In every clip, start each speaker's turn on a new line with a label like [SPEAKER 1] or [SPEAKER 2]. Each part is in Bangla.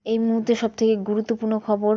[SPEAKER 1] এই মুহূর্তে সবথেকে গুরুত্বপূর্ণ খবর।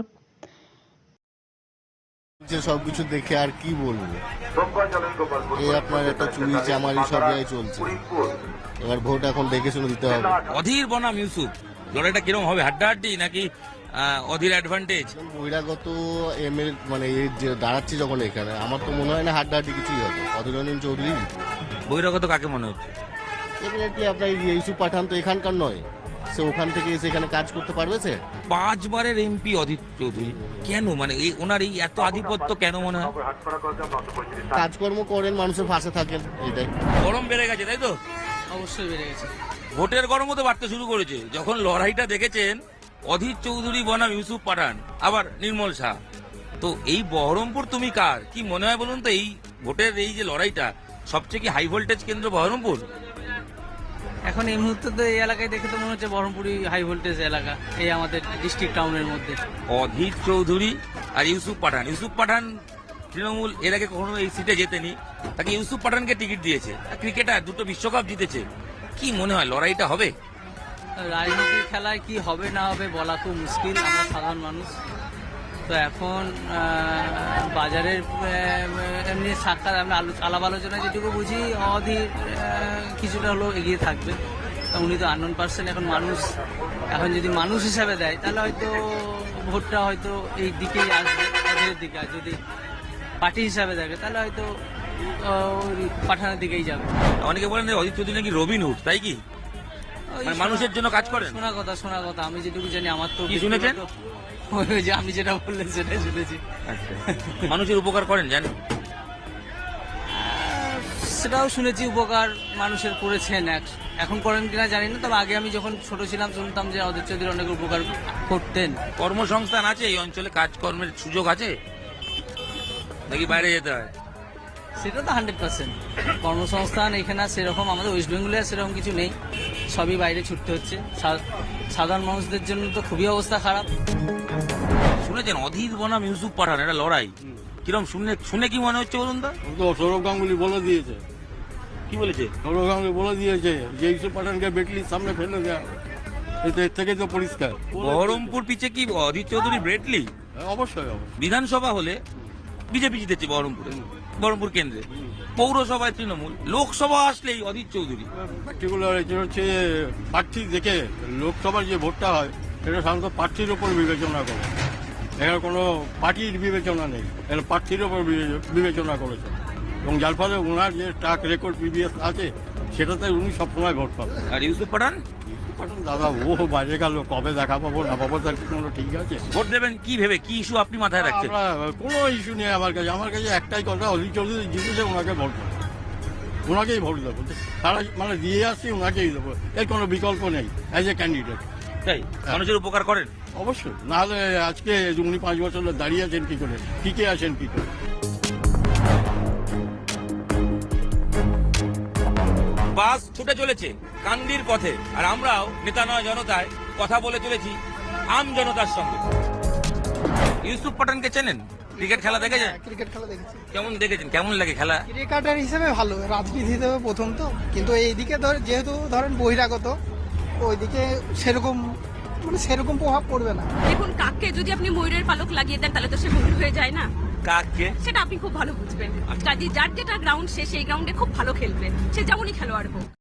[SPEAKER 2] যে সবকিছু দেখে আর কি বলবো, এই আপনার একটা চুরি চামারি সব জায়গায় চলছে। এবার ভোট এখন দেখে শুনে দিতে হবে।
[SPEAKER 3] অধীর বনাম ইউসুফ, লড়াইটা কিরকম হবে? হাড্ডাহাড্ডি নাকি অধীর অ্যাডভান্টেজ?
[SPEAKER 2] বহিরাগত এমএল মানে এই যে দাঁড়াচ্ছে যখন এখানে, আমার তো মনে হয় না হাড্ডাহাড্ডি কিছুই হবে। অধীর রঞ্জন চৌধুরী
[SPEAKER 3] বহিরাগত কাকে মনে হচ্ছে?
[SPEAKER 2] ডেফিনেটলি আপনার ইউসুফ পাঠান তো এখানকার নয়, সে ওখান থেকে এসে এখানে কাজ করতে পারবে। সে
[SPEAKER 3] 5 বারের এমপি অধীর চৌধুরী, কেন মানে এই ওনার এই এত আধিপত্য কেন মনে হয়?
[SPEAKER 2] কাজকর্ম করেন, মানুষের পাশে থাকেন, এটাই।
[SPEAKER 3] গরম বেড়ে গেছে তাই তো?
[SPEAKER 4] অবশ্যই বেড়ে গেছে।
[SPEAKER 3] ভোটের গরমও তো বাড়তে শুরু করেছে যখন লড়াইটা দেখেছেন অধীর চৌধুরী বনাম ইউসুফ পাঠান, আবার নির্মল শাহ। তো এই বহরমপুর তুমি কার কি মনে হয় বলুন তো? এই ভোটের এই যে লড়াইটা, সবচেয়ে কি হাই ভোল্টেজ কেন্দ্র বহরমপুর?
[SPEAKER 4] এখন এই মুহূর্তে তো এই এলাকায় দেখে তো মনে হচ্ছে বহরমপুরই হাই ভোল্টেজ এলাকা, এই আমাদের ডিস্ট্রিক্ট টাউনের মধ্যে।
[SPEAKER 3] অধীর চৌধুরী আর ইউসুফ পাঠান। ইউসুপ পাঠান তৃণমূল এর আগে কখনো এই সিটে জেতেনি, তাকে ইউসুফ পাঠানকে টিকিট দিয়েছে। ক্রিকেটার, 2টো বিশ্বকাপ জিতেছে। কি মনে হয় লড়াইটা হবে?
[SPEAKER 4] রাজনীতির খেলায় কি হবে না হবে বলা খুব মুশকিল, আমরা সাধারণ মানুষ তো। এখন বাজারের এমনি সাক্ষাৎ আমরা আলাপ আলোচনা যেটুকু বুঝি, অধীর কিছুটা হলেও এগিয়ে থাকবে। উনি তো আননোন পার্সন। এখন মানুষ, এখন যদি মানুষ হিসাবে দেয় তাহলে হয়তো ভোটটা হয়তো এই দিকেই আসবে, অধীরের দিকে। আর যদি পার্টি হিসাবে দেখে তাহলে হয়তো পাঠানোর দিকেই যাবে।
[SPEAKER 3] অনেকে বলেন যে অধীর চৌধুরী নাকি রবিনহুড, তাই কি? মানে মানুষের জন্য কাজ করেন?
[SPEAKER 4] শোনা কথা আমি যেটুকু জানি। আমার তো
[SPEAKER 3] কি শুনেছেন?
[SPEAKER 4] ওই যে আমি যেটা বললেন সেটাই শুনেছি।
[SPEAKER 3] আচ্ছা, মানুষের উপকার করেন জানেন?
[SPEAKER 4] সেটাও শুনেছি, উপকার মানুষের করেছেন। এখন করেন কিনা জানি না, তবে আগে আমি যখন ছোট ছিলাম শুনতাম যে অধীর চৌধুরী অনেক উপকার করতেন।
[SPEAKER 3] কর্মসংস্থান আছে এই অঞ্চলে? কাজকর্মের সুযোগ আছে নাকি বাইরে যেতে হয়?
[SPEAKER 4] সেটা তো 100%। কর্মসংস্থান এখানে সেরকম, আমাদের ওয়েস্ট বেঙ্গলে সেরকম কিছু নেই, সবই বাইরে ছুটতে হচ্ছে। সাধারণ মানুষদের জন্য তো খুবই অবস্থা খারাপ।
[SPEAKER 3] শুনেছেন অধীর বনাম ইউসুফ পাঠান এটা লড়াই, কিরম শুনে কি মনে হচ্ছে বলুন তো?
[SPEAKER 5] তো সৌরভ গাঙ্গুলি বলে দিয়েছে।
[SPEAKER 3] কি বলেছে?
[SPEAKER 5] সৌরভ গাঙ্গুলি বলে দিয়েছে যে ইউসুফ পাঠানকে বেটলির সামনে ফেলে দেয়া, এর থেকে তো পরিষ্কার।
[SPEAKER 3] বহরমপুর পিছে কি অধীর চৌধুরী ব্রেটলি?
[SPEAKER 5] অবশ্যই।
[SPEAKER 3] বিধানসভা হলে বিজেপি জিতেছে বহরমপুর কেন্দ্রে, পৌরসভায় তৃণমূল, লোকসভা আসলেই অধীর চৌধুরী।
[SPEAKER 5] পার্টিকুলার এটা হচ্ছে প্রার্থী দেখে লোকসভার যে ভোটটা হয় সেটা সাধারণত প্রার্থীর ওপর বিবেচনা করে। এখানে কোনো পার্টির বিবেচনা নেই, এটা প্রার্থীর ওপর বিবেচনা করেছে, এবং যার ফলে ওনার যে ট্র্যাক রেকর্ড প্রিভিয়াস আছে সেটাতে উনি সবসময় ভোট পাবেন।
[SPEAKER 3] আর ইউসুফ পাঠান?
[SPEAKER 5] দাদা ও বাইরে গেল, কবে দেখা পাবো না পাবো তার কোনো ঠিক আছে?
[SPEAKER 3] ভোট দেবেন কি ভেবে? কি ইস্যু আপনি মাথায় রাখছেন?
[SPEAKER 5] কোনো ইস্যু নেই আমার কাছে একটাই কথা, অধীর চৌধুরী জিতেছে, ওনাকে ভোট দেবো, ওনাকেই ভোট দেবো। তারা মানে দিয়ে আসছি, ওনাকেই দেবো, এর কোনো বিকল্প নেই অ্যাজ এ ক্যান্ডিডেট।
[SPEAKER 3] তাই মানুষের উপকার করেন?
[SPEAKER 5] অবশ্যই, নাহলে আজকে উনি 5 বছর দাঁড়িয়ে আছেন কি করে, টিকে আছেন কি করে?
[SPEAKER 3] বাস ছুটে চলেছে কান্দির পথে, আর আমরাও নেতা নয় জনতায় কথা বলে চলেছি আম জনতার সঙ্গে। ইউসুফ পাঠানকে চেনেন? ক্রিকেট খেলা দেখেছেন?
[SPEAKER 6] ক্রিকেট খেলা দেখেছি।
[SPEAKER 3] কেমন দেখেছেন? কেমন লাগে খেলা?
[SPEAKER 6] ক্রিকেটার হিসেবে ভালো, রাজনীতি হিসেবে প্রথম তো, কিন্তু এইদিকে যেহেতু ধরেন বহিরাগত, ওইদিকে সেরকম সেরকম প্রভাব পড়বে না।
[SPEAKER 7] দেখুন, কাককে যদি আপনি ময়ূরের পালক লাগিয়ে দেন তাহলে তো সে ময়ূর হয়ে যায় না।
[SPEAKER 3] কাককে?
[SPEAKER 7] সেটা আপনি খুব ভালো বুঝবেন। যার যেটা গ্রাউন্ড, সে সেই গ্রাউন্ডে খুব ভালো খেলবে, সে যেমনই খেলোয়াড় হোক।